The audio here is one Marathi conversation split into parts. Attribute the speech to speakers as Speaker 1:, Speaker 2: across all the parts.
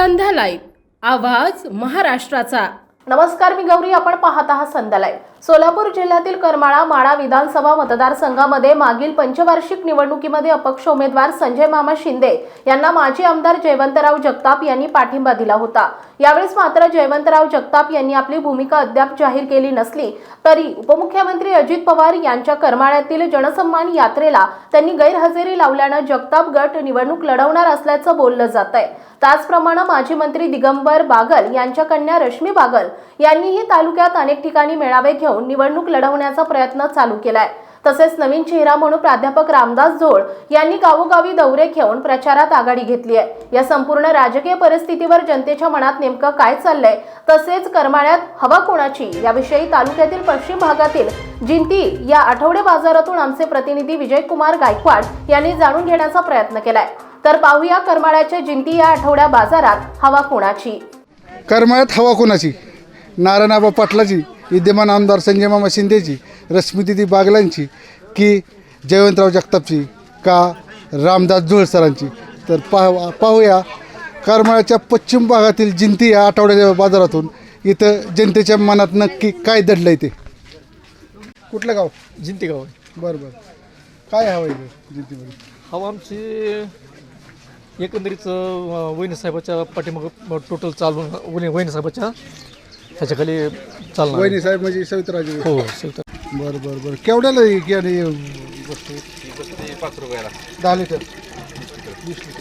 Speaker 1: संध्या लाईव्ह, आवाज महाराष्ट्राचा।
Speaker 2: नमस्कार, मी गौरी, आपण पाहत आहात संध्या लाईव्ह। सोलापूर जिल्ह्यातील करमाळा माढा विधानसभा मतदारसंघामध्ये मागील पंचवार्षिक निवडणुकीमध्ये अपक्ष उमेदवार संजय मामा शिंदे यांना माजी आमदार जयवंतराव जगताप यांनी पाठिंबा दिला होता। यावेळेस मात्र जयवंतराव जगताप यांनी आपली भूमिका अद्याप जाहीर केली नसली तरी उपमुख्यमंत्री अजित पवार यांच्या करमाळ्यातील जनसन्मान यात्रेला त्यांनी गैरहजेरी लावल्याने जगताप गट निवडणूक लढवणार असल्याचं बोललं जातंय। त्याचप्रमाणे माजी मंत्री दिगंबर बागल यांच्या कन्या रश्मी बागल यांनीही तालुक्यात अनेक ठिकाणी मेळावे घेऊन निवडणूक लढवण्याचा प्रयत्न चालू केलाय। तसेच नवीन चेहरा म्हणून प्राध्यापक रामदास जोळ यांनी गावोगावी दौरे घेऊन प्रचारात आघाडी घेतली आहे। या संपूर्ण राजकीय परिस्थितीवर जनतेच्या मनात नेमकं काय चाललंय, तसेच करमाळ्यात हवा कोणाची याविषयी तालुक्यातील पश्चिम भागातील जिंती या आठवडे बाजारातून आमचे प्रतिनिधी विजयकुमार गायकवाड यांनी जाणून घेण्याचा प्रयत्न केलाय। तर पाहूया करमाळ्याच्या जिंती या आठवड्या बाजारात हवा कोणाची।
Speaker 3: करमाळ्यात हवा कोणाची? नारायणआबा पाटलाची, विद्यमान आमदार संजय मामा शिंदेची, रश्मीदिदी बागलांची की जयवंतराव जगतापची का रामदास जोळ सरांची? तर पाहूया करमाळ्याच्या पश्चिम भागातील जिंती या आठवड्याच्या बाजारातून इथं जनतेच्या मनात नक्की काय दडलं आहे ते। कुठलं गाव?
Speaker 4: जिंती गाव.
Speaker 3: बरं बरं, काय हवं इथं जिंतीमध्ये?
Speaker 4: हवा आमची एकंदरीत वहिनी साहेबाच्या पाठीमागं टोटल चालून वहिनी साहेबाच्या ह्याच्याखाली चालणार.
Speaker 3: वहिनी साहेब म्हणजे सवित्राजी?
Speaker 4: हो सविता.
Speaker 3: बरं बरं बरं, केवढ्याला की आणि वस्तू?
Speaker 4: 5 रुपयाला
Speaker 3: 10 लिटर 20 लिटर.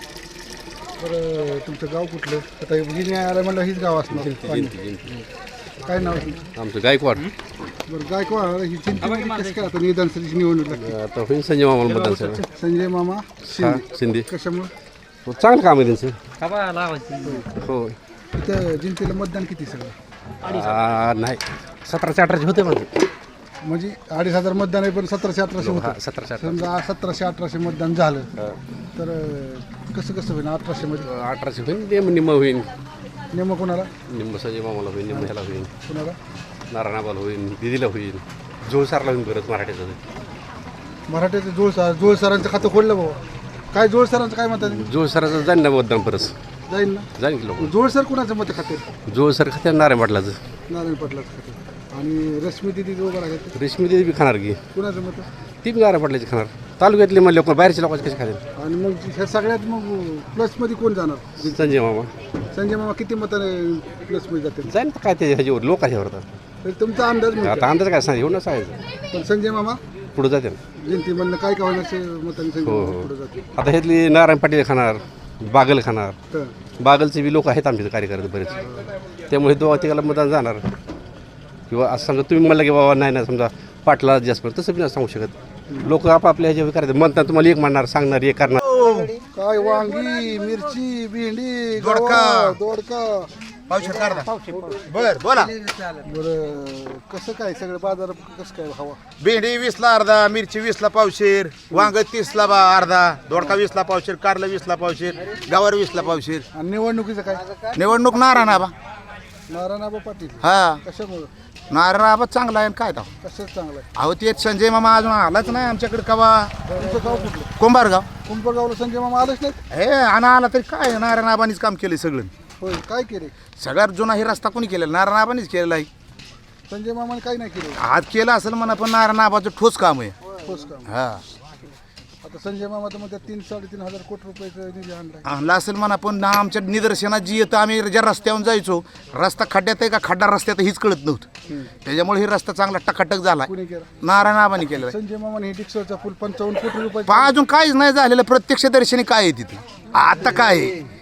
Speaker 3: बरं, तुमचं गाव कुठलं? आता हिने आलं म्हणलं हीच गाव असणार. काय नाव तुमचं?
Speaker 5: आमचं गायकवाड.
Speaker 3: बरं, गायकवाड ही चिंतेमध्ये कसं काय आता निवडणुकीची निवडणूक लागली?
Speaker 5: आता होईल संजय मामाला मतदान साहेब.
Speaker 3: संजय मामा
Speaker 5: शिंदे.
Speaker 3: कशामुळे?
Speaker 5: हो, चांगलं काम आहे त्यांचं. हो.
Speaker 3: इथं जिंतीला मतदान किती सगळं?
Speaker 5: नाही 1700-1800 होते
Speaker 3: म्हणजे 2500 मतदान आहे, पण 1700-1800 होतं.
Speaker 5: 1700-1800.
Speaker 3: समजा 1700-1800 मतदान झालं तर कसं कसं होईल? 1800 मध्ये
Speaker 5: 1800 होईल, निम्म होईल.
Speaker 3: नेमकं कोणाला?
Speaker 5: निम्म संजय मामाला होईल, निम्म ह्याला होईल,
Speaker 3: कोणाला?
Speaker 5: नारायणाबाला होईल, दिदीला होईल, जोळसारला होईल. परत मराठीचं
Speaker 3: मराठ्याचं जोळ सरांचं खातं खोललं बाबा. काय जोळ सरांचं काय म्हणतात?
Speaker 5: जोळसराचं जाईल ना मतदान परत?
Speaker 3: जाईल ना.
Speaker 5: जाईल की लोक.
Speaker 3: जोळ सर कुणाचं मत खाते?
Speaker 5: जोळसर खात्या नारायण पाटलाचं.
Speaker 3: नारायण पाटलाचं खाते. आणि रश्मी दिदी उभं राहते,
Speaker 5: रेशमी देवी बी खाणार की?
Speaker 3: कुणाचं मत?
Speaker 5: ती बी नारायण पाटलाची खाणार. तालुक्यातले मग लोक, बाहेरचे लोकांचे कसे खातील?
Speaker 3: आणि मग ह्या सगळ्यात मग प्लसमध्ये कोण जाणार?
Speaker 5: संजय मामा.
Speaker 3: संजय मामा किती मताने प्लसमध्ये जाते?
Speaker 5: जाईल तर काय ते ह्याच्यावर लोक ह्याच्यावर आता.
Speaker 3: तर तुमचा अंदाज
Speaker 5: आता
Speaker 3: म्हणतो.
Speaker 5: अंदाज काय सांग, येऊन सांगायचं.
Speaker 3: पण संजय मामा
Speaker 5: पुढे जाते ना.
Speaker 3: जयंती म्हणणं काय का होण्याचे मताने संजय
Speaker 5: हो
Speaker 3: मामा
Speaker 5: हो.
Speaker 3: पुढे जाते.
Speaker 5: आता ह्यातली नारायण पाटील खाणार, बागल खाणार.
Speaker 3: तर
Speaker 5: बागलचे बी लोक आहेत आमचे कार्यकर्ते बरेच, त्यामुळे तो तिघाला मतदान जाणार. किंवा असं सांगा तुम्ही म्हणलं की बाबा नाही ना, समजा पाटला जास्त पडतं, तसं बी नाही सांगू शकत. लोक आपापल्या ह्याच्यावर करायचं म्हणतात. तुम्हाला एक म्हणणार, सांगणार, एक करणार.
Speaker 3: काय वांगी, मिरची, भेंडी,
Speaker 6: दोडका.
Speaker 3: दोडका
Speaker 6: पावशेर काढा. बर बोला.
Speaker 3: बरं, कसं काय सगळं बाजार कसं काय हवा?
Speaker 6: भेंडी 20ला अर्धा, मिरची 20ला पावशेर, वांग 30ला अर्धा, दोडका 20ला पावशेर, कारलं 20ला पावशेर, गवार 20ला पावशेर.
Speaker 3: आणि निवडणुकीचं काय?
Speaker 6: निवडणूक नारायणाबा.
Speaker 3: नारायणआबा पाटील
Speaker 6: हा,
Speaker 3: कशामुळं?
Speaker 6: नारायणाबा चांगला आहे काय तो.
Speaker 3: कशाच चांगलं आहे?
Speaker 6: अहो ते संजय मामा अजून आलाच नाही आमच्याकडे कवा.
Speaker 3: तुमचं गाव कुठलं?
Speaker 6: कुंभारगाव.
Speaker 3: कुंभगावला संजय मामा आलेच नाहीत?
Speaker 6: हे आणि आला तरी काय, नारायणाबानीच काम केलं सगळं.
Speaker 3: होय, काय केले?
Speaker 6: सगळ्यात जुना हे रस्ता कोणी केलेला? नारायणाबानीच केलेला आहे.
Speaker 3: संजय मामाने काही नाही केलं.
Speaker 6: आज केलं असेल म्हणा, पण नारायणाबाचं ठोस काम आहे.
Speaker 3: ठोस काम.
Speaker 6: हा,
Speaker 3: आता संजय मामा तर मध्ये 3-3.5 हजार कोटी रुपयाचा निधी आणलाय.
Speaker 6: आणला असेल म्हणा, पण ना आमच्या निदर्शनात जी येतं, आम्ही ज्या रस्त्यावरून जायचो, रस्ता खड्ड्यात आहे का खड्डा रस्त्यात हीच कळत नव्हतं. त्याच्यामुळे हे रस्ता चांगला टकाटक झाला.
Speaker 3: कुणी केला?
Speaker 6: नारायणाबानी केलेला आहे.
Speaker 3: संजय मामाने हे डिक्सरचा पूल 55 कोटी रुपये.
Speaker 6: अजून काहीच नाही झालेलं. प्रत्यक्ष दर्शनी काय आहे तिथे? आता काय आहे?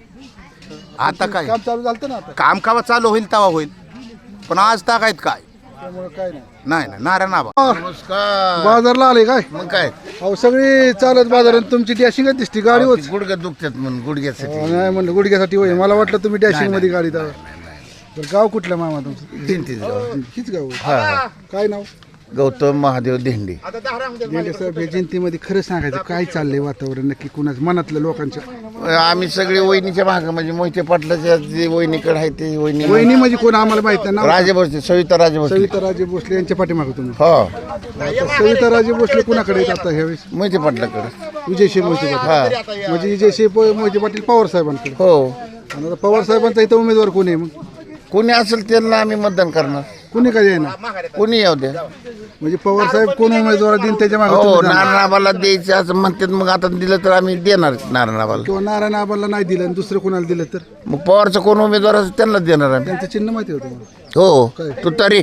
Speaker 6: आता काय
Speaker 3: काम चालू झालं ना आता,
Speaker 6: काम कावा चालू होईल तेव्हा होईल, पण आज ताकायत काय
Speaker 3: त्यामुळे काय नाही.
Speaker 6: नाही नाही. नारायणाबा नमस्कार.
Speaker 3: बाजारला आले काय?
Speaker 6: मग काय
Speaker 3: अहो सगळी चालत बाजारात तुमची डॅशिंगच दिसती गाडी होत.
Speaker 6: गुडघ्यात दुखतात म्हणून गुडघ्यासाठी.
Speaker 3: नाही म्हणलं गुडघ्यासाठी होय, मला वाटलं तुम्ही डॅशिंग मध्ये गाडी. तर गाव कुठलं मामा तुमचं?
Speaker 6: जिंतीच गाव.
Speaker 3: हीच गाव होय. काय नाव?
Speaker 6: गौतम महादेव धेंडे.
Speaker 3: गेले साहेब या जयंतीमध्ये खरं सांगायचं काय चाललंय वातावरण नक्की कुणाच मनातलं लोकांच्या?
Speaker 6: आम्ही सगळे वहिनीच्या भाग म्हणजे मोहिते पाटलाच्या जे वहिनीकडे आहे ते
Speaker 3: वहिनी म्हणजे कोण आम्हाला माहित नाही नाव.
Speaker 6: राजे भोसले, सविता राजे भोसले.
Speaker 3: सविताराजे भोसले यांच्या पाठीमागे तुम्ही.
Speaker 6: हो,
Speaker 3: आता सविताराजे भोसले कुणाकडे आहेत आता ह्यावेळेस?
Speaker 6: मोहिते पाटलाकडे.
Speaker 3: विजयशिव मोहिते पाटील. म्हणजे विजयशिव मोहिते पाटील पवार साहेबांकडे.
Speaker 6: हो,
Speaker 3: आणि आता पवार साहेबांचा इथं उमेदवार कोण आहे मग?
Speaker 6: कोणी असेल त्यांना आम्ही मतदान करणार.
Speaker 3: कोणी काय येणार?
Speaker 6: कोणी येऊ द्या.
Speaker 3: म्हणजे पवार साहेब कोण उमेदवार देईन त्याच्या मागे
Speaker 6: हो,
Speaker 3: तुम्ही जाणार?
Speaker 6: नारायणाबाला द्यायचं असं म्हणतात. मग आता दिलं तर आम्ही देणार नारायणाबाला.
Speaker 3: किंवा नारायण आबाला नाही दिलं आणि दुसरं कोणाला दिलं तर
Speaker 6: मग पवारचं कोण उमेदवार असेल त्यांनाच देणार आम्ही.
Speaker 3: त्यांचं चिन्ह माहिती होतं मला.
Speaker 6: हो, तू तरी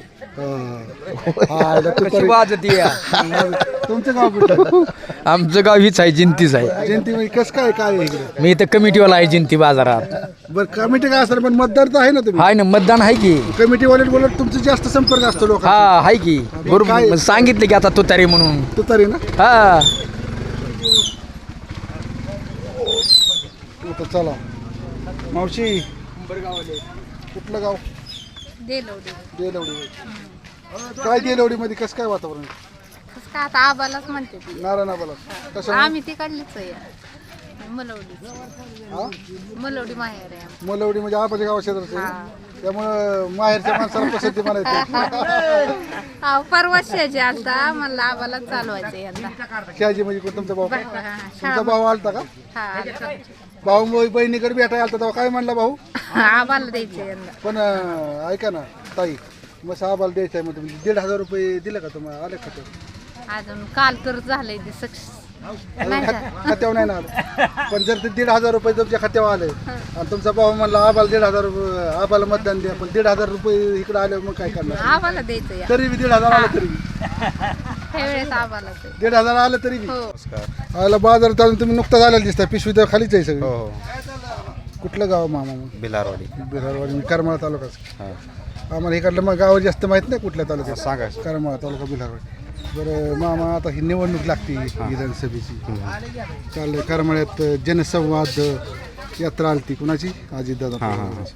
Speaker 3: तुमचं गाव कुठलं?
Speaker 7: आमचं गाव हीच आहे, जिंतीच आहे.
Speaker 3: जयंती म्हणजे कसं काय काय आहे इकडे?
Speaker 7: मी इथं कमिटीवाला आहे जिंती बाजारात.
Speaker 3: बरं कमिटी काय असणार पण मतदार तर आहे ना तुम्ही.
Speaker 7: हाय ना, मतदान आहे की.
Speaker 3: कमिटी वाले बोलत तुमचं जास्त संपर्क असतो लोक.
Speaker 7: हा आहे की, बरोबर. मग सांगितलं की आता तुतारी म्हणून.
Speaker 3: तू तरी ना.
Speaker 7: हा
Speaker 3: आता चला मावशी कुठलं गाव? देलवडी. काय देलवडी मध्ये कसं काय वातावरण?
Speaker 8: कसं काय आता आबालाच म्हणते ती.
Speaker 3: नारायण आबाला कसं?
Speaker 8: आम्ही तिकडलीच आहे, मलवडी माहेर आहे आमचं.
Speaker 3: मलवडी म्हणजे आबाच्या गावा शेजारचं आहे. त्यामुळं माहेरच्या माणसाला पसंती म्हणायची.
Speaker 8: परवा शेजी आलता, मला आबालाच चालवायचं यंदा.
Speaker 3: शहाजी म्हणजे कोण तुमचा भाऊ?
Speaker 8: हा,
Speaker 3: तुमचा भाऊ आलता का?
Speaker 8: हा, आलता.
Speaker 3: भाऊ बहिणीकडे भेटायला आलता तेव्हा काय म्हणला भाऊ?
Speaker 8: आबाला द्यायचं यंदा.
Speaker 3: पण ऐका ना ताई, मग आबाला द्यायचं आहे मग तुम्ही 1,500 रुपये दिले का तुम्हाला? आले का ते?
Speaker 8: अजून काल तर झालंय ते सक्सेस. नाही का?
Speaker 3: खात्यावर नाही ना आलं. पण जर ते 1,500 रुपये तुमच्या खात्यावर आले आणि तुमचा भाऊ म्हणला आबाला 1,500 रुपये, आबाला मतदान द्या, पण 1,500 रुपये इकडे आले मग काय करणार?
Speaker 8: आबाला द्यायचं या
Speaker 3: तरी बी 1,500 आलं तरी
Speaker 8: ह्या वेळेस आबालाच आहे.
Speaker 3: 1,500 आलं तरी बी.
Speaker 8: हो.
Speaker 3: आला बाजारात अजून तुम्ही नुकताच आलेला दिसता. पिशवी तर खालीच आहे सगळी. कुठलं गाव मामा मग?
Speaker 5: बिलारवाडी.
Speaker 3: बिहारवाडी मी करमाळा तालुकाच. आम्हाला इकडलं मग गाव जास्त माहित नाही कुठल्या तालुक्यात.
Speaker 5: सांगा.
Speaker 3: करमाळा तालुका बिहारवाडी. बरं मामा, आता ही निवडणूक लागते विधानसभेची. चाललंय करमाळ्यात जनसंवाद यात्रा आलती. कुणाची? अजितदादा.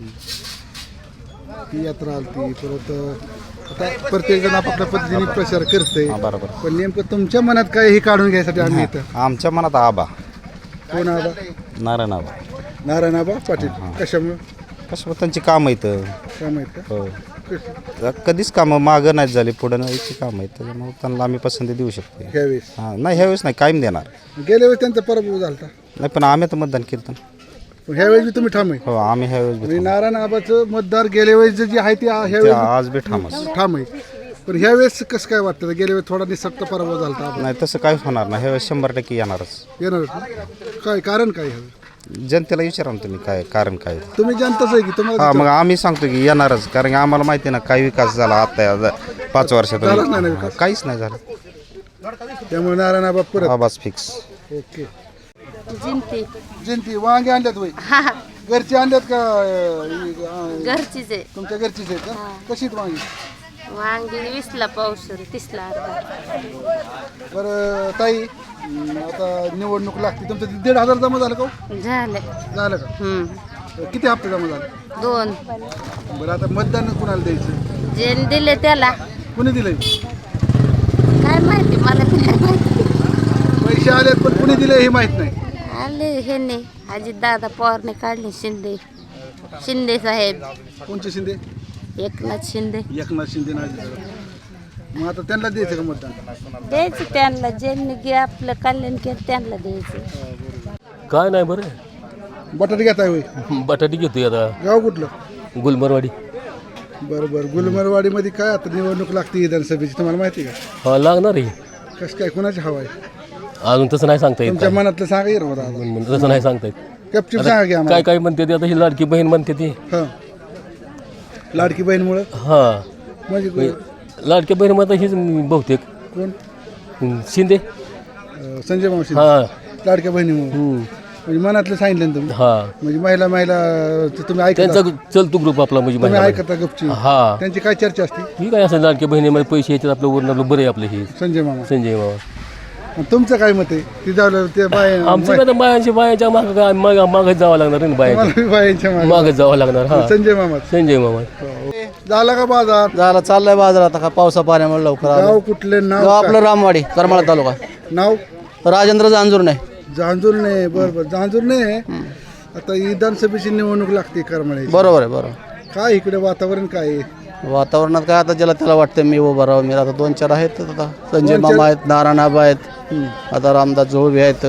Speaker 3: ती यात्रा आलती. परत आता प्रत्येक जण आपापल्या पद्धतीने प्रचार करते.
Speaker 5: बरोबर.
Speaker 3: पण नेमकं तुमच्या मनात काय हे काढून घ्यायसाठी आम्ही इथं.
Speaker 5: आमच्या मनात आबा.
Speaker 3: कोण आबा?
Speaker 5: नारायण आबा.
Speaker 3: नारायण आबा पाटील. कशामुळे?
Speaker 5: कसं त्यांची कामं येतं.
Speaker 3: काय माहित का?
Speaker 5: हो, कधीच कामं मागं नाही झाली, पुढं याची कामं आहेत, त्याच्यामुळे त्यांना आम्ही पसंती देऊ शकतो.
Speaker 3: ह्यावेळेस
Speaker 5: हां, नाही ह्यावेळेस नाही, कायम देणार
Speaker 3: गेल्या वेळेस त्यांचा पराभव झाला.
Speaker 5: नाही, पण आम्ही तर मतदान केलं.
Speaker 3: पण ह्यावेळेस बी तुम्ही ठाम आहे.
Speaker 5: हो, आम्ही ह्यावेळेस
Speaker 3: म्हणजे नारायण आबाचं मतदार गेल्या वेळेस जे आहे ते ह्यावेळेस
Speaker 5: आज बी ठामच.
Speaker 3: ठाम आहे. पण ह्यावेळेस कसं काय वाटतं? गेल्या वेळेस थोडा निसक्त पराभव झाला.
Speaker 5: नाही, तसं काहीच होणार नाही. ह्यावेळेस 100% येणारच.
Speaker 3: येणार काय कारण काय?
Speaker 5: जनतेला विचारा ना तुम्ही, काय कारण काय.
Speaker 3: तुम्ही जनताच आहे की तुम्हाला?
Speaker 5: हा, मग आम्ही सांगतो की येणारच, कारण की आम्हाला माहिती आहे ना काय विकास झाला आता 5 वर्षात.
Speaker 3: झालाच नाही ना विकास.
Speaker 5: काहीच नाही झालं.
Speaker 3: त्यामुळे नारायण आबा परत.
Speaker 5: आवाज फिक्स.
Speaker 3: ओके.
Speaker 8: जिंती.
Speaker 3: जयंती वांगे आणल्यात वय?
Speaker 8: हा,
Speaker 3: घरचे आणल्यात का?
Speaker 8: घरचीच आहे.
Speaker 3: तुमच्या घरचीच आहेत का? कशी आहेत वांगी?
Speaker 8: वांगी 20ला पावशेर, 30ला अर्धा.
Speaker 3: बरं ताई, आता निवडणूक लागते. तुमचं 1,500 जमा झालं का हो? झालं का? किती हप्ते जमा झाले?
Speaker 8: 2.
Speaker 3: बरं आता मतदान कुणाला द्यायचं?
Speaker 8: जे दिले त्याला
Speaker 3: कुणी दिलंय?
Speaker 8: काय माहिती, मला बी नाही माहिती.
Speaker 3: पैसे आलेत पण कुणी दिले हे माहित नाही.
Speaker 8: आले हे नाही, अजितदादा पवारने काढले. शिंदे साहेब,
Speaker 3: कोणचे शिंदे?
Speaker 8: एकनाथ शिंदे.
Speaker 3: एकनाथ शिंदे नाही दिलं. मग आता त्यांना द्यायचं का मतदान?
Speaker 8: द्यायचं त्यांना, ज्यांनी आपलं कल्याण केलं त्यांना द्यायचं.
Speaker 9: काय नाही बरं,
Speaker 3: बटाटे घेताय होय?
Speaker 9: बटाटी घेतोय आता.
Speaker 3: गाव कुठलं?
Speaker 9: गुलमरवाडी.
Speaker 3: बरं बरं. गुलमरवाडीमध्ये काय आता निवडणूक लागते विधानसभेची, तुम्हाला माहिती आहे का?
Speaker 9: हा, लागणार आहे.
Speaker 3: कसं काय कुणाची हवा आहे?
Speaker 9: अजून तसं नाही सांगता येत.
Speaker 3: तुमच्या मनातलं सांगा येईल बघा.
Speaker 9: तसं नाही सांगता येत.
Speaker 3: गपचूप सांगा की आम्हाला.
Speaker 9: काय काय म्हणते ते, आता ही लाडकी बहीण म्हणते ती.
Speaker 3: हां, लाडकी बहीणमुळं
Speaker 9: हा,
Speaker 3: म्हणजे
Speaker 9: लाडकी बहीण म्हणता हीच बहुतेक.
Speaker 3: कोण?
Speaker 9: शिंदे.
Speaker 3: संजय मावशी.
Speaker 9: हा.
Speaker 3: लाडक्या बहिणीमुळं म्हणजे मनातलं सांगितलं ना तुम्ही.
Speaker 9: हा,
Speaker 3: म्हणजे महिला तुम्ही ऐकता,
Speaker 9: त्यांचा चलतो ग्रुप आपला, म्हणजे
Speaker 3: तुम्ही
Speaker 9: महिला.
Speaker 3: ऐकता गपची.
Speaker 9: हा,
Speaker 3: त्यांची काय चर्चा असते?
Speaker 9: ही काय असं लाडकी बहिणीमध्ये पैसे येतात आपलं, वरून आपलं बरं आहे आपलं हे
Speaker 3: संजय मामा.
Speaker 9: संजय मामा.
Speaker 3: आणि तुमचं काय मत आहे? ती जावलं ते
Speaker 9: आमचं काय बायांच्या मागं काय मागच जावं लागणार ना, बायांच्या
Speaker 3: बायांच्या
Speaker 9: मागच जावं लागणार. हा,
Speaker 3: संजय मामा.
Speaker 9: संजय मामा.
Speaker 3: झाला का बाजार
Speaker 7: झाला चाललाय बाजारात आता पावसा पाण्यामुळे लवकर आलो.
Speaker 3: गाव कुठले नाव
Speaker 7: गाव आपलं रामवाडी करमाळा तालुका.
Speaker 3: नाव
Speaker 7: राजेंद्र जांजूर नाही.
Speaker 3: जांजूर नाही बरोबर जांजूर नाही आता विधानसभेची निवडणूक लागते करमाळ्याची
Speaker 7: बरोबर आहे बरोबर.
Speaker 3: काय इकडे वातावरण काय आहे
Speaker 7: वातावरणात काय आता ज्याला त्याला वाटतं मी उभं राहावं. मी आता 2-4 आहेत आता संजय मामा आहेत, नारायणआबा आहेत, आता रामदास जोळवे आहेत,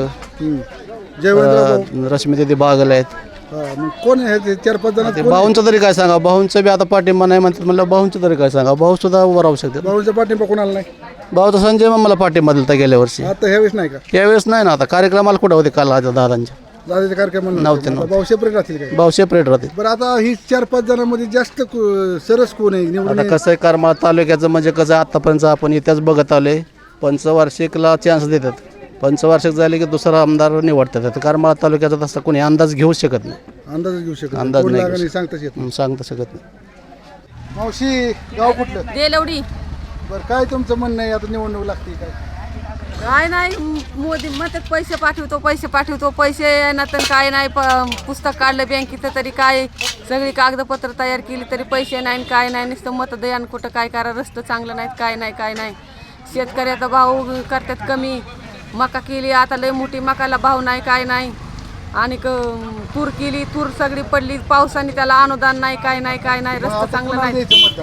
Speaker 3: जयवंतराव
Speaker 7: रश्मी बागल आहेत.
Speaker 3: मग कोण आहे ते 4-5 जण
Speaker 7: ते भाऊंचं तरी काय सांगा. भाऊंचं बी आता पाठिंबा नाही म्हणतात म्हणलं भाऊंचं तरी काय सांगा. भाऊ सुद्धा उभं राहू शकतात.
Speaker 3: भाऊचा पाठिंबा कोणाला नाही
Speaker 7: भाऊ तर संजय मामाला पाठिंबा दिला गेल्या वर्षी.
Speaker 3: आता ह्यावेळेस नाही का
Speaker 7: यावेळेस नाही ना. आता कार्यक्रमाला कुठं होते काल आता दादांच्या
Speaker 3: दादाच्या कार्यक्रमाला
Speaker 7: नव्हते.
Speaker 3: भाऊ सेपरेट राहतील काय
Speaker 7: भाऊ सेपरेट राहते.
Speaker 3: बरं आता ही 4-5 जणांमध्ये जास्त सरस कोण आहे निवडून
Speaker 7: आता कसं आहे करमाळा तालुक्याचं म्हणजे कसं आतापर्यंत आपण इतिहास बघत आलोय. पंचवार्षिकला चान्स देतात. पंचवार्षिक झाले की दुसरा आमदार निवडतात. आता करमाळा तालुक्याचा तसा कोणी अंदाज घेऊ शकत नाही.
Speaker 3: अंदाज घेऊ शकत
Speaker 7: अंदाज
Speaker 3: कोण
Speaker 7: नाही
Speaker 3: लागेल
Speaker 7: घेऊ
Speaker 3: हे सांगताच येत नाही.
Speaker 7: सांगता शकत नाही.
Speaker 3: मावशी गाव कुठलं
Speaker 8: देलवडी
Speaker 3: बरं काय तुमचं म्हणणं आहे आता निवडणूक लागते काय
Speaker 8: काय नाही मोदी म्हणतात पैसे पाठवतो पैसे ना तर काय नाही पुस्तक काढलं बँकेचं तरी काय सगळी कागदपत्र तयार केली तरी पैसे नाही काय नाही नुसतं मतदान कुठं काय करा रस्तं चांगलं नाहीत काय नाही शेतकऱ्याचा भाव करतात कमी. मका केली आता लय मोठी मकाला भाव नाही काय नाही आणि तूर केली तूर सगळी पडली पावसाने त्याला अनुदान नाही काय नाही रस्तं चांगलं नाही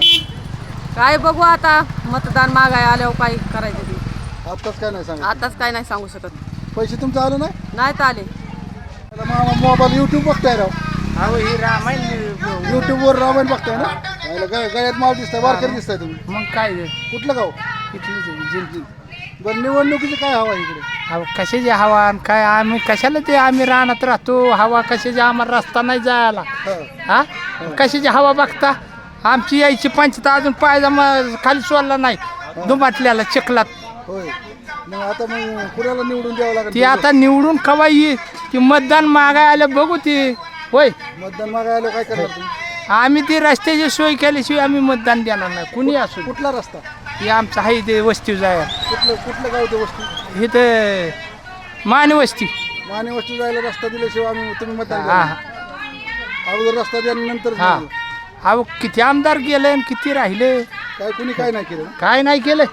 Speaker 8: काय बघू आता मतदान मागाय आल्यावर काय करायचं ते
Speaker 3: आताच काय नाही सांगा
Speaker 8: आताच काय नाही सांगू शकत.
Speaker 3: पैसे तुमचं आलं नाही
Speaker 8: नाहीत आले.
Speaker 3: मामा मोबाईल युट्यूब बघताय राव युट्यूबवर रामायण बघताय ना गळ्यात माल दिसताय वारकरी दिसताय तुम्ही
Speaker 10: मग काय
Speaker 3: कुठलं गाव बरं निवडणुकीची काय हवा इकडे
Speaker 10: हवा कशाची हवा आणि काय आम्ही कशाला ते आम्ही रानात राहतो हवा कशाची आम्हाला रस्ता नाही जायला हा कशाची हवा बघता आमची यायची पंचता अजून पायजामा खाली सोडला नाही दुमाटल्याला चिखलात.
Speaker 3: होय मग आता मग कुणाला निवडून द्यावं लागेल
Speaker 10: ती आता निवडून कवा येईल ती मतदान मागाय आलं बघू ती होय.
Speaker 3: मतदान मागायला काय करणार तुम्ही
Speaker 10: आम्ही ती रस्त्याची सोय केल्याशिवाय आम्ही मतदान देणार नाही कुणी असू.
Speaker 3: कुठला रस्ता
Speaker 10: हे आमचं आहे ते वस्ती जाया
Speaker 3: कुठलं गाव ते वस्तू
Speaker 10: इथं माने वस्ती.
Speaker 3: माने वस्तू जायला रस्ता दिल्याशिवाय आम्ही तुम्ही मतदान
Speaker 10: हा
Speaker 3: करणार. अगोदर रस्ता द्या नंतर
Speaker 10: हा अहो किती आमदार गेले आणि किती राहिले
Speaker 3: काय कुणी काय नाही केलं
Speaker 10: काय नाही केलं.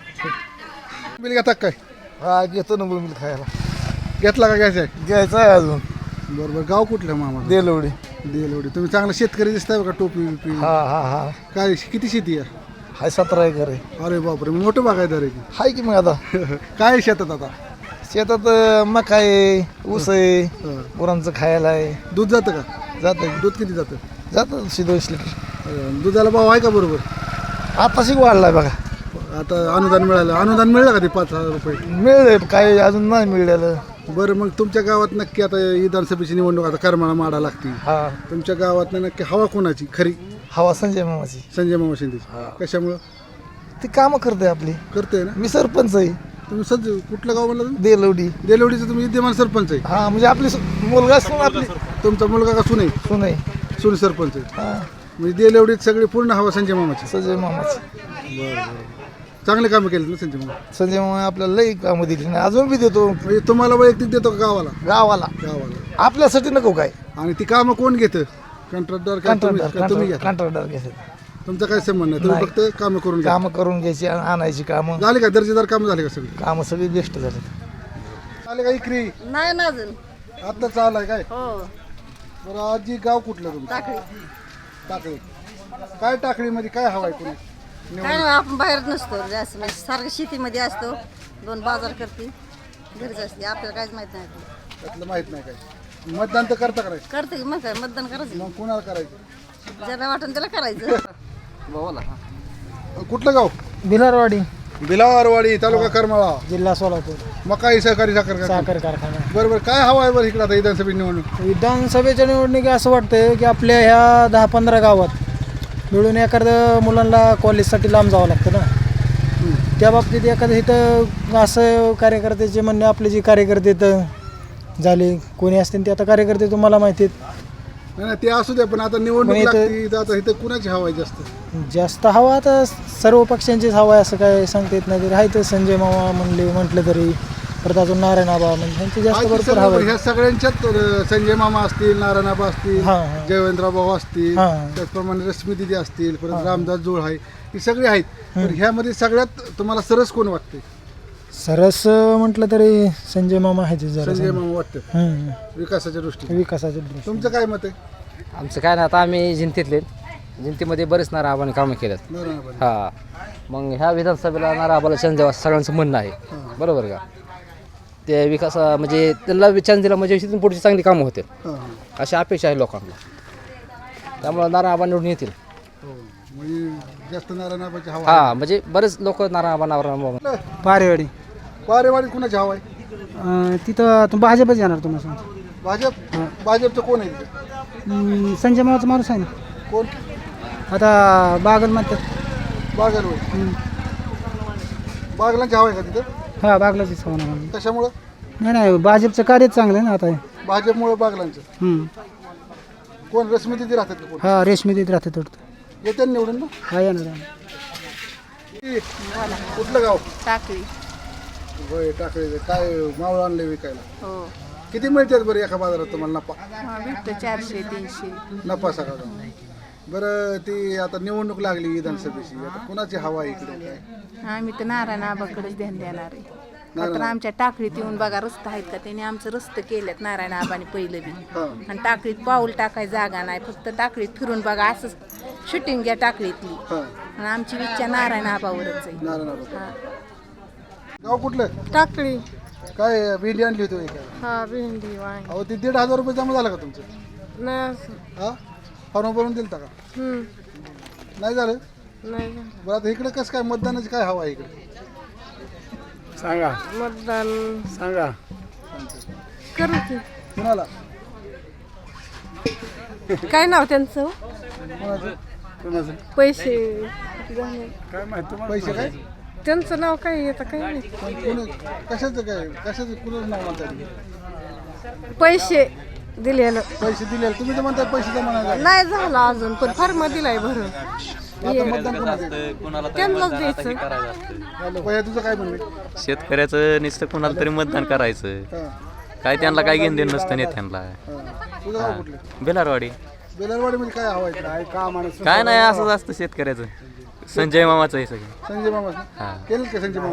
Speaker 3: बिल घेता काय
Speaker 7: हा घेतो ना बोंबील खायला.
Speaker 3: घेतला का घ्यायचा आहे
Speaker 7: घ्यायचं आहे अजून.
Speaker 3: बरोबर गाव कुठलं मामा
Speaker 7: देलवडी.
Speaker 3: देलवडी तुम्ही चांगला शेतकरी दिसताय बघा टोपी बिपी
Speaker 7: हा
Speaker 3: काय किती शेती आहे
Speaker 7: हाय 17 एकर आहे.
Speaker 3: अरे बापरे मोठं बागायदार आहे की
Speaker 7: हाय की मग आता
Speaker 3: काय आहे शेतात आता
Speaker 7: शेतात मका आहे ऊस आहे गुरांचं खायला आहे.
Speaker 3: दूध जातं का
Speaker 7: जातं
Speaker 3: दूध किती जातं
Speaker 7: जातं 200 लिटर.
Speaker 3: दुधाला भाव आहे का बरोबर
Speaker 7: आताशी वाढलाय बघा.
Speaker 3: आता अनुदान मिळलं का ते 5,000 रुपये
Speaker 7: मिळेल काय अजून नाही मिळालं.
Speaker 3: बरं मग तुमच्या गावात नक्की आता विधानसभेची निवडणूक आता करमाळा माडा लागते
Speaker 7: हा
Speaker 3: तुमच्या गावात नक्की हवा कोणाची खरी
Speaker 7: हवा संजय मामाची.
Speaker 3: संजय मामा शिंदेची कशामुळं
Speaker 7: ती कामं करते आपली.
Speaker 3: करते ना
Speaker 7: मी सरपंच आहे
Speaker 3: तुम्ही सज कुठलं गाव म्हणलं तुम्ही
Speaker 7: देलवडी.
Speaker 3: देलवडीचं तुम्ही विद्यमान सरपंच आहे
Speaker 7: हा म्हणजे आपली मुलगा सून आपली
Speaker 3: तुमचा मुलगा का सुने
Speaker 7: सून आहे.
Speaker 3: सुने सरपंच आहे
Speaker 7: हा
Speaker 3: म्हणजे देलवडीत सगळी पूर्ण हवा संजय मामाची
Speaker 7: संजय मामाची.
Speaker 3: चांगले कामं केले ना संजय मामा
Speaker 7: संजय मामा आपल्याला लई कामं दिली नाही अजून बी देतो
Speaker 3: म्हणजे तुम्हाला वैयक्तिक देतो का गावाला
Speaker 7: गावाला आपल्यासाठी नको काय.
Speaker 3: आणि ती कामं कोण घेतं कंत्राटदार का तुम्ही घेता
Speaker 7: कंत्राटदार घ्यायचं.
Speaker 3: तुमचा काय संबंध नाही तुम्ही फक्त कामं करून घ्या
Speaker 7: कामं करून घ्यायची आणायची कामं
Speaker 3: झाले का दर्जेदार कामं झाले का सगळे
Speaker 7: कामं सगळी बेस्ट झाली.
Speaker 3: झाले का इकरी
Speaker 8: नाही ना अजून.
Speaker 3: आता चाललाय काय
Speaker 8: हो
Speaker 3: बरं आजी गाव कुठलं तुमचं टाकळी काय टाकळीमध्ये काय हवाय कोणी
Speaker 8: काय नाही आपण बाहेर नसतो जास्त म्हणजे सारखं शेतीमध्ये असतो 2 बाजार करते घरीच असते आपल्याला काहीच माहित नाही
Speaker 3: त्यातलं माहित नाही काय मतदान तर करता करायचं
Speaker 8: करते की मग काय मतदान करायचं
Speaker 3: मग कुणाला करायचं
Speaker 8: ज्याला वाटून त्याला करायचं.
Speaker 3: कुठलं गाव
Speaker 10: भिलारवाडी
Speaker 3: बिलावारवाडी तालुका करमाळा
Speaker 10: जिल्हा सोलापूर.
Speaker 3: मकाई सहकारी साखर
Speaker 10: साखर कारखाना.
Speaker 3: बरोबर काय हवा आहे बरं इकडे आता विधानसभा निवडणूक
Speaker 10: विधानसभेच्या निवडणुकी असं वाटतं की आपल्या ह्या 10-15 गावात मिळून एखादं मुलांना कॉलेजसाठी लांब जावं लागतं ना. त्या बाबतीत एखादं इथं असं कार्यकर्त्याचे म्हणणे आपले जे कार्यकर्ते इथं झाले कोणी असतील ते आता कार्यकर्ते तुम्हाला माहिती आहेत
Speaker 3: नाही ते असू द्या पण आता निवडणूक लागते तर आता इथं कुणाची हवा आहे
Speaker 10: जास्त हवा आता सर्व पक्षांचीच हवा आहे असं काय सांगता येत नाही तरी आहे तर संजय मामा म्हटलं तरी परत अजून नारायण आबा म्हणजे ह्यांचे जास्त
Speaker 3: बाकी
Speaker 10: भरपूर
Speaker 3: सगळे
Speaker 10: हवं
Speaker 3: ह्या सगळ्यांच्यात संजय मामा असतील, नारायणआबा असतील,
Speaker 10: हां.
Speaker 3: जयवंतराव भाऊ असतील,
Speaker 10: हां.
Speaker 3: त्याचप्रमाणे रश्मी दिदी असतील, परत रामदास जोळ आहे, ही सगळी आहेत. तर ह्यामध्ये सगळ्यात तुम्हाला सरस कोण वाटते?
Speaker 10: सरस म्हटलं तरी संजय मामा आहे जरा
Speaker 3: संजय मामा वाटतं विकासाच्या दृष्टीने.
Speaker 10: विकासाच्या दृष्टीने.
Speaker 3: तुमचं काय मत आहे?
Speaker 11: आमचं काय नाही, आता आम्ही जिंतीतले, जिंतीमध्ये बरेच नाराबाने कामं केलेत.
Speaker 3: नारायणआबा.
Speaker 11: हा, मग ह्या विधानसभेला नाराबाला चान्स द्यावा सगळ्यांचं म्हणणं आहे. बरोबर का? ते विकास म्हणजे त्यांना चान्स दिला म्हणजे तिथून पुढची चांगली कामं होते
Speaker 3: हां.
Speaker 11: अशी अपेक्षा आहे लोकांना. त्यामुळं नारायणआबा निवडून येतील.
Speaker 3: हो. म्हणजे जास्त नारायणआबाची हवा
Speaker 11: हा, म्हणजे बरेच लोक नारायणआबा
Speaker 10: पारेवाडी
Speaker 3: पारेवाडीत कुणाची हवा आहे?
Speaker 10: तिथं भाजपच येणार तुम्हाला
Speaker 3: भाजप. भाजपचं कोण आहे तिथे?
Speaker 10: संजय मामाचा माणूस आहे ना
Speaker 3: कोण?
Speaker 10: आता बागल म्हणतात.
Speaker 3: बागल होय. बागलांची हवा आहे का तिथं?
Speaker 10: हा, बागलाचीच होणार.
Speaker 3: कशामुळं?
Speaker 10: नाही भाजपचं कार्यच चांगलं आहे ना आता.
Speaker 3: भाजपमुळे बागलांचं. कोण? रश्मी दिदी राहतात का कोण?
Speaker 10: हा, रेशमी देत राहते थोडं.
Speaker 3: येते निवडून ना?
Speaker 10: हा, येणार.
Speaker 3: कुठलं गाव?
Speaker 8: टाकळी.
Speaker 3: होय, टाकळीचं. काय मावळ आणले विकायला?
Speaker 8: हो,
Speaker 3: किती मिळतात बरं एका बाजारात तुम्हाला नफा?
Speaker 8: भेटतं 400-300.
Speaker 3: नफा सगळा. बरं, ती आता निवडणूक लागली विधानसभेची, आता कुणाची हवा आहे इकडे काय?
Speaker 8: आम्ही तर नारायण आबाकडेच ध्यान देणार आहे. तर आमच्या टाकळीत येऊन बघा रस्ता आहेत का, त्यांनी आमचं रस्ते केलेत नारायण आबाने पहिलं बी. आणि टाकळीत पाऊल टाकाय जागा नाही, फक्त टाकळीत फिरून बघा असंच शूटिंग घ्या टाकळीतली. आणि आमची इच्छा नारायण आबावरच आहे.
Speaker 3: नारायण. गाव कुठलं?
Speaker 8: टाकळी.
Speaker 3: काय भेंडी आणली होती होय काय?
Speaker 8: हा, भेंडी वांगी.
Speaker 3: अहो, ती 1,500 रुपये जमा झाला का तुमचं?
Speaker 8: नाही.
Speaker 3: हा, फॉर्म भरून दिलता का? नाही झालं.
Speaker 8: नाही
Speaker 3: बरं, आता इकडे कसं काय मतदानाची काय हवा आहे इकडे?
Speaker 10: सांगा.
Speaker 8: मतदान
Speaker 10: सांगा.
Speaker 8: करू की.
Speaker 3: कुणाला?
Speaker 8: काय नाव त्यांचं?
Speaker 3: कुणाचं?
Speaker 8: पैसे.
Speaker 10: काय माहिती
Speaker 3: पैसे काय?
Speaker 8: त्यांचं नाव काय येतं काय नाही.
Speaker 3: कशाचं काय? कशाचं कुणाचं नाव म्हणतात?
Speaker 8: पैसे दिलेलं
Speaker 3: पैसे दिले तुम्ही तर म्हणताय पैसे जमा नाही झाले.
Speaker 8: नाही झाला अजून, पण फॉर्म दिलाय भरून.
Speaker 3: आता मतदान कोणाचं?
Speaker 8: त्यांनाच द्यायचं.
Speaker 3: पहिला तुझं काय म्हणणे?
Speaker 4: शेतकऱ्याचं नुसतं कोणाला तरी मतदान करायचं.
Speaker 3: हां.
Speaker 4: काय त्यांना काय घेणं देणं नसतं नेत्यांना.
Speaker 3: तुझं गाव कुठलं?
Speaker 4: बेलारवाडी.
Speaker 3: बेलारवाडीमध्ये काय हवा आहे? काय काम आणि
Speaker 4: काय नाही, असंच असतं शेतकऱ्याचं. संजय मामाचं आहे सगळं.
Speaker 3: संजय मामा
Speaker 4: हां.
Speaker 3: केलं का संजय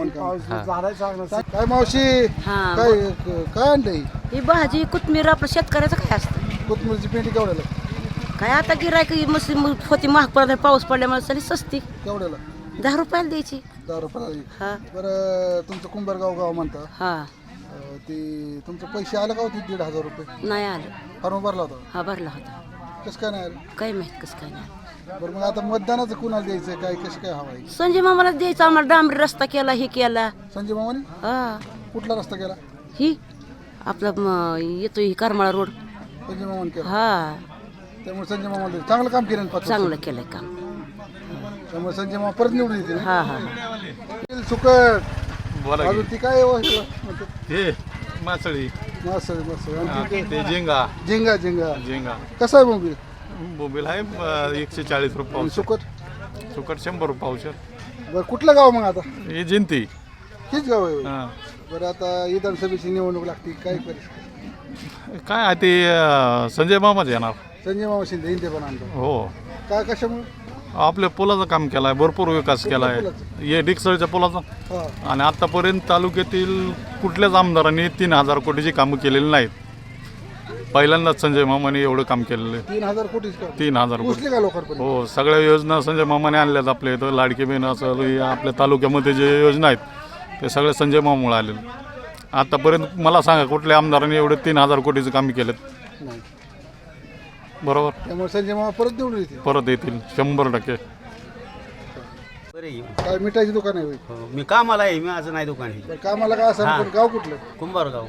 Speaker 3: मामा? काय मावशी काय काय आणलंय?
Speaker 12: ही भाजी कोथमीर आपलं शेतकऱ्याचं काय असतं?
Speaker 3: कोथमीरची पेंडी केवढ्याला?
Speaker 12: काय आता गिरायक मस्त होती, महाग पडत पाऊस पडल्यामुळे सरी सस्ती
Speaker 3: केवढ्याला?
Speaker 12: 10 रुपयाला द्यायची.
Speaker 3: 10 रुपयाला.
Speaker 12: हा.
Speaker 3: बरं, तुमचं कुंभारगाव गाव म्हणता,
Speaker 12: हा,
Speaker 3: ते तुमचं पैसे आलं का होते 1,500 रुपये?
Speaker 12: नाही आलं.
Speaker 3: फॉर्म भरला होता?
Speaker 12: हा, भरला होता.
Speaker 3: कसं काय नाही आलं?
Speaker 12: काय माहित कसं काय नाही.
Speaker 3: बरं, मग आता मतदानाचं कुणाला द्यायचं काय, कसं काय हवा आहे?
Speaker 12: संजय मामाला द्यायचं. आम्हाला डांबरी रस्ता केला, हे केला.
Speaker 3: संजय मामाने
Speaker 12: हा,
Speaker 3: कुठला रस्ता केला?
Speaker 12: ही आपला येतो ही करमाळा रोड.
Speaker 3: संजय मामाने केला.
Speaker 12: हा,
Speaker 3: त्यामुळे संजय मामाला चांगलं काम केलं ना 5 वर्ष.
Speaker 12: चांगलं केलंय काम.
Speaker 3: त्यामुळे संजय मामा परत निवडून येते ना.
Speaker 12: हा हा.
Speaker 3: सुकट अजून ती काय म्हणतात?
Speaker 4: हे मासळी.
Speaker 3: मासळी. आणि ती
Speaker 4: ते झिंगा.
Speaker 3: झिंगा. झिंगा
Speaker 4: झिंगा
Speaker 3: कसं आहे मोबाईल?
Speaker 4: बोंबील आहे 140 रुपये
Speaker 3: आणि
Speaker 4: पावशेर.
Speaker 3: सुकट?
Speaker 4: सुकट 100 रुपये पावशेर.
Speaker 3: बरं, कुठलं गाव मग आता?
Speaker 4: ही जिंती.
Speaker 3: हेच गाव आहे होय?
Speaker 4: हां.
Speaker 3: बरं, आता विधानसभेची निवडणूक लागते, काय परिस्थिती?
Speaker 4: काय आहे ते संजय मामाच येणार.
Speaker 3: संजय मामा शिंदे हिंदे पण आणतो.
Speaker 4: हो,
Speaker 3: काय कशामुळे?
Speaker 4: आपल्या पुलाचं काम केलं आहे, भरपूर विकास केला आहे. हे डिकसळच्या पुलाचा.
Speaker 3: हां.
Speaker 4: आणि आतापर्यंत तालुक्यातील कुठल्याच आमदारांनी 3,000 कोटीची कामं केलेली नाहीत. पहिल्यांदाच संजय मामाने एवढं काम केलेलं आहे.
Speaker 3: 3,000 कोटीच का?
Speaker 4: 3,000 कोटी.
Speaker 3: पोचले का लोकांपर्यंत?
Speaker 4: हो, सगळ्या योजना संजय मामाने आणल्यात आपल्या इथं. लाडकी बहीण असं हे आपल्या तालुक्यामध्ये जे योजना आहेत ते सगळे संजय मामामुळे आलेले. आतापर्यंत मला सांगा कुठल्या आमदारांनी एवढे 3,000 कोटीचं काम केलेत?
Speaker 3: नाही.
Speaker 4: बरोबर.
Speaker 3: त्यामुळे संजय मामा परत निवडून येते.
Speaker 4: परत येतील 100%.
Speaker 3: काय मिठाईची दुकान आहे होय?
Speaker 11: मी कामाला आहे, मी माझं नाही दुकान आहे.
Speaker 3: बरं, कामाला का असं पण गाव कुठलं?
Speaker 11: कुंभारगाव.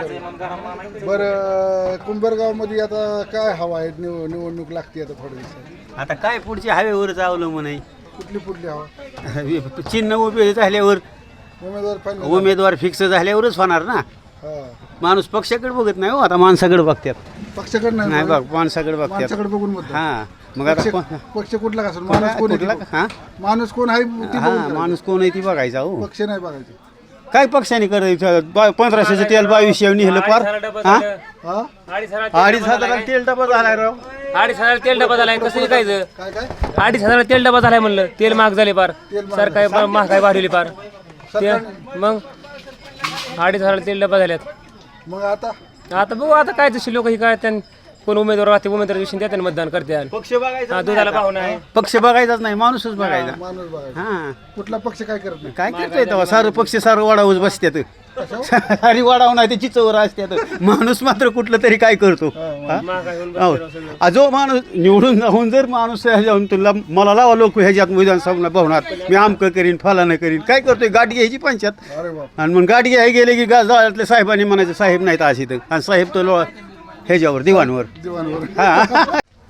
Speaker 3: बरं, कुंभारगावमध्ये आता काय हवा आहे? निवडणूक लागते आता थोड्या दिवसात.
Speaker 11: आता काय पुढच्या हायवेवरच अवलंबून आहे.
Speaker 3: कुठली हवा?
Speaker 11: चिन्ह उभे झाल्यावर,
Speaker 3: उमेदवार फायनल?
Speaker 11: उमेदवार फिक्स झाल्यावरच होणार ना.
Speaker 3: हां.
Speaker 11: माणूस पक्षाकडे बघत नाही हो, आता माणसाकडे बघतात.
Speaker 3: पक्षाकडे
Speaker 11: नाही
Speaker 3: नाही
Speaker 11: बघ, माणसाकडे बघतात.
Speaker 3: माणसाकडे बघून मत.
Speaker 11: हा, मग आता
Speaker 3: पक्ष कुठला का असेल? माणूस कोण आहे?
Speaker 11: हा,
Speaker 3: माणूस कोण आहे ती बघून करायचं.
Speaker 11: माणूस कोण आहे ती बघायचा हो.
Speaker 3: पक्ष नाही बघायचे.
Speaker 13: काय पक्षाने करायचं 1500चं तेल 2200 निघलं पार हा 2500 तेल डबा झालाय राव
Speaker 9: 2,500 तेल डबा झालाय कसं विकायचं 2,500 तेल डबा झालाय म्हणलं तेल महाग झाले पार सरकार महागाई वाढवली पार ते मग 2,500 तेल डबा झाल्यात
Speaker 3: मग आता
Speaker 9: बघू आता काय तशी लोक ही काय कोण उमेदवार राहते उमेदवार दिवशी त्याने मतदान करते
Speaker 13: पक्ष बघायचा
Speaker 9: दुधाला भाव नाही
Speaker 13: पक्ष बघायचाच नाही माणूसच बघायचा
Speaker 3: माणूस बघा
Speaker 13: हा
Speaker 3: कुठला पक्ष काय करत नाही
Speaker 13: काय करतोय तेव्हा सारं पक्ष सारं वाढावूच बसत्यात सारी वाढाव नाही ते चिचवर असत्यात माणूस मात्र कुठलं तरी काय करतो हा? जो माणूस निवडून जाऊन जर माणूस जाऊन तुला मला लावा लोक ह्याच्यात विधानसभा भवनात मी आमकं करीन फलानं करीन काय करतोय गाडी घ्यायची पंचायत
Speaker 3: अरे बाप
Speaker 13: आणि मग गाडी घ्यायला गेले की गावातल्या साहेबांनी म्हणायचं साहेब नाहीत अशी तर आणि साहेब तो ह्याच्यावर दिवाणवर
Speaker 3: दिवाणवर
Speaker 13: हा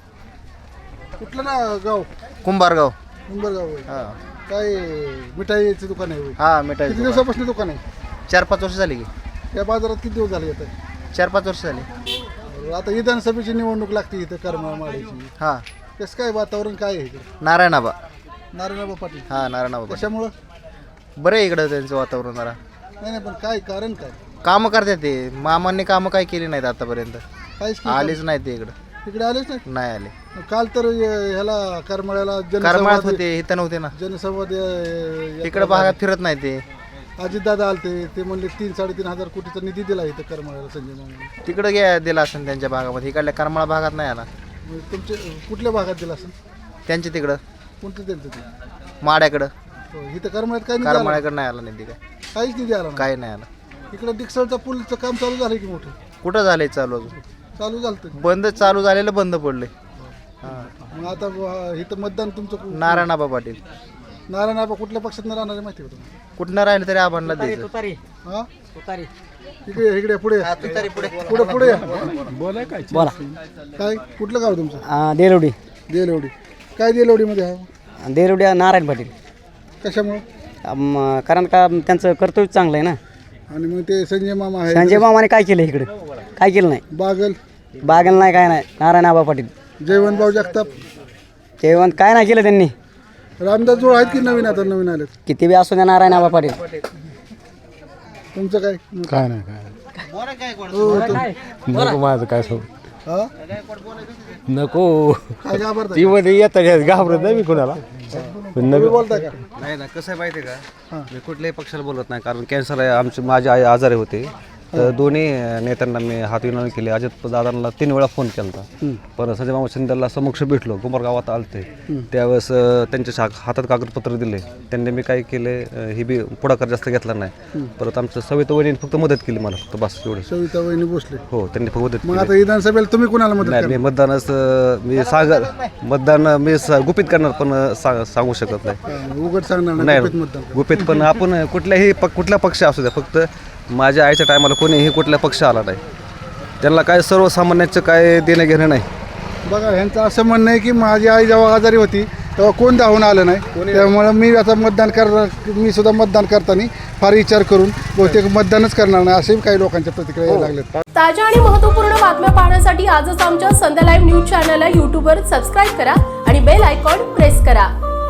Speaker 3: कुठलं ना गाव
Speaker 6: कुंभारगाव
Speaker 3: उंबरगाव आहे. काय मिठाईचं दुकान आहे होय?
Speaker 6: हा मिठाई
Speaker 3: किती दिवसापासून दुकान आहे
Speaker 6: 4-5 वर्ष झाली की
Speaker 3: या बाजारात किती दिवस झाले येत आहे
Speaker 6: 4-5 वर्ष झाली
Speaker 3: आता विधानसभेची निवडणूक लागते इथं करमाळ्याची
Speaker 6: हा
Speaker 3: कसं काय वातावरण काय आहे इकडे
Speaker 6: नारायणाबा
Speaker 3: नारायणबाबा पाटील
Speaker 6: हा नारायणाबा
Speaker 3: कशामुळं
Speaker 6: बरं आहे इकडं त्यांचं वातावरण जरा
Speaker 3: नाही नाही पण काय कारण काय
Speaker 6: कामं करतात ते मामांनी कामं काय केली नाहीत आतापर्यंत
Speaker 3: काहीच नाही
Speaker 6: आलेच नाही ते इकडं
Speaker 3: इकडे आलेच नाही
Speaker 6: नाही आले
Speaker 3: काल तर ह्याला करमाळ्याला
Speaker 6: करमाळ्यात होते इथं नव्हते ना
Speaker 3: जनसंवाद
Speaker 6: इकडे भागात फिरत नाही ते
Speaker 3: अजितदादा आलते ते म्हणले 3-3.5 हजार कोटीचा निधी दिला इथं करमाळ्याला संजय मामाने
Speaker 6: तिकडं घ्या दिला असेल त्यांच्या भागामध्ये इकडल्या करमाळा भागात नाही आला
Speaker 3: म्हणजे तुमचे कुठल्या भागात दिला असेल
Speaker 6: त्यांच्या तिकडं
Speaker 3: कोणतं त्यांचं ते
Speaker 6: माड्याकडं
Speaker 3: इथं करमाळ्यात काय निधी आला?
Speaker 6: करमाळ्याकडं नाही आला निधी काय
Speaker 3: काहीच निधी आला नाही.
Speaker 6: काय नाही आला
Speaker 3: इकडं डिक्सलचा पूलचं काम चालू झालं की मोठं
Speaker 6: कुठं झालंय चालू अजून
Speaker 3: चालू झालं
Speaker 6: बंद चालू झालेलं बंद पडले
Speaker 3: मग आता इथं मतदान तुमचं
Speaker 6: नारायणाबा पाटील
Speaker 3: नारायणबाबा कुठल्या पक्षात न राहणार आहे माहिती का तुम्हाला
Speaker 6: कुठनं राहिलं तरी आबांना द्यायचं
Speaker 3: हा इकडे इकडे पुढे पुढे पुढे या.
Speaker 10: बोला
Speaker 3: काय कुठलं गाव तुमचं
Speaker 10: देरवडी
Speaker 3: देलवडी काय देलवडीमध्ये आहे
Speaker 10: देरवडी नारायण पाटील
Speaker 3: कशामुळं
Speaker 10: कारण का त्यांचं कर्तव्य चांगलं आहे ना
Speaker 3: आणि मग ते संजय मामा आहे
Speaker 10: संजय मामाने काय केलं इकडे काय केलं नाही
Speaker 3: बागल
Speaker 10: बागल नाही काय नाही नारायण आबा पाटील
Speaker 3: जयवंतभाऊ जगताप
Speaker 10: जेवण काय नाही केलं त्यांनी
Speaker 3: रामदास जोड आहेत की नवीन आता नवीन आलेत
Speaker 10: किती बी असू द्या नारायण आबा पाटील
Speaker 3: तुमचं काय
Speaker 9: काय नाही काय
Speaker 3: हो,
Speaker 9: नको माझं काय सांगू
Speaker 3: हा
Speaker 9: नको
Speaker 3: काय घाबरता
Speaker 9: ती मध्ये येतात घाबरत नाही मी कोणाला
Speaker 3: तुम्ही बोलता का
Speaker 5: नाही ना कसं आहे माहिती आहे का मी कुठल्याही पक्षाला बोलत नाही कारण कॅन्सर आहे माझे आई आजारी होते तर दोन्ही नेत्यांना मी हात विनवणी केली अजित दादांना 3 वेळा फोन केला होता पण संजय मामा शिंदेला समक्ष भेटलो कुंभार गावात आलते त्यावेळेस त्यांच्या हातात कागदपत्र दिले त्यांनी मी काय केले ही बी पुढाकार जास्त घेतला नाही परत आमचं सविता वहिनीने फक्त मदत केली मला फक्त बस एवढं
Speaker 3: सविता वहिनी भोसले
Speaker 5: हो त्यांनी फक्त मदत
Speaker 3: मग आता विधानसभेला तुम्ही कुणाला मदत
Speaker 5: नाही मी मतदानच मी मतदान मी गुपित करणार पण सांगू शकत नाही
Speaker 3: करणार? उघड सांगणार नाही
Speaker 5: नाही
Speaker 3: गुपित मतदान.
Speaker 5: गुपित पण आपण कुठल्या पक्ष असू द्या फक्त माझ्या आईच्या टायमाला कोणीही कुठल्या पक्ष आला नाही त्यांना काय सर्वसामान्याचं काय देणं घेणं नाही
Speaker 3: बघा ह्यांचं असं म्हणणं आहे की माझी आई जेव्हा आजारी होती तेव्हा कोण धावून आलं नाही त्यामुळे मी आता मतदान करणार मी सुद्धा मतदान करताना फार विचार करून बहुतेक मतदानच करणार नाही असे काही लोकांच्या प्रतिक्रिया यायला लागल्यात
Speaker 2: ताज्या आणि महत्त्वपूर्ण बातम्या पाहण्यासाठी आजच आमच्या संध्या लाईव्ह न्यूज चॅनलला यूट्यूबवर सबस्क्राईब करा आणि बेल आयकॉन प्रेस करा.